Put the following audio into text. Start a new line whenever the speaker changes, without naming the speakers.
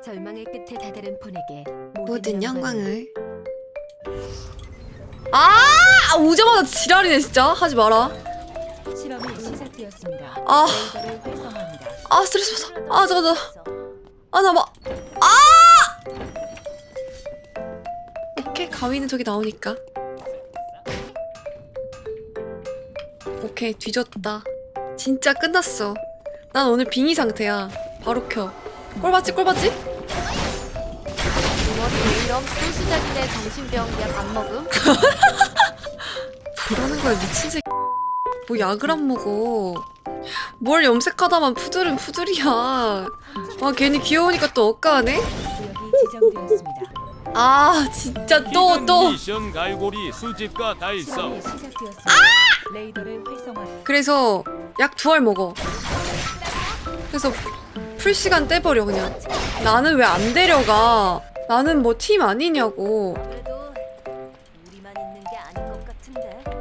절망의 끝에 다다른 폰에게
모든 영광을.
오자마자 지랄이네 진짜. 하지 마라.
실험이 시작되었습니다.
아.
레이더를 활성화합니다.
스트레스 받아. 잠깐만. 오케이, 가위는 저기 나오니까. 오케이, 뒤졌다. 진짜 끝났어. 난 오늘 빙의 상태야. 바로 켜. 꼴 봤지?
머리 왜 이럼? 또 시작이네. 정신병이야. 밥 먹음?
뭐라는 거야, 미친 새끼. 뭐 약을 안 먹어. 뭘 염색하다만 푸들은 푸들이야. 괜히 귀여우니까 또 억까하네?
구역이 지정되었습니다.
진짜 또.
미션 갈고리 수집과 달성.
실험이 시작되었습니다. 레이더를 활성화.
그래서 약 2알 먹어. 그래서 풀 시간 떼버려 그냥. 나는 왜 안 데려가? 나는 뭐 팀 아니냐고.
그래도 우리만 있는 게 아닌 것 같은데.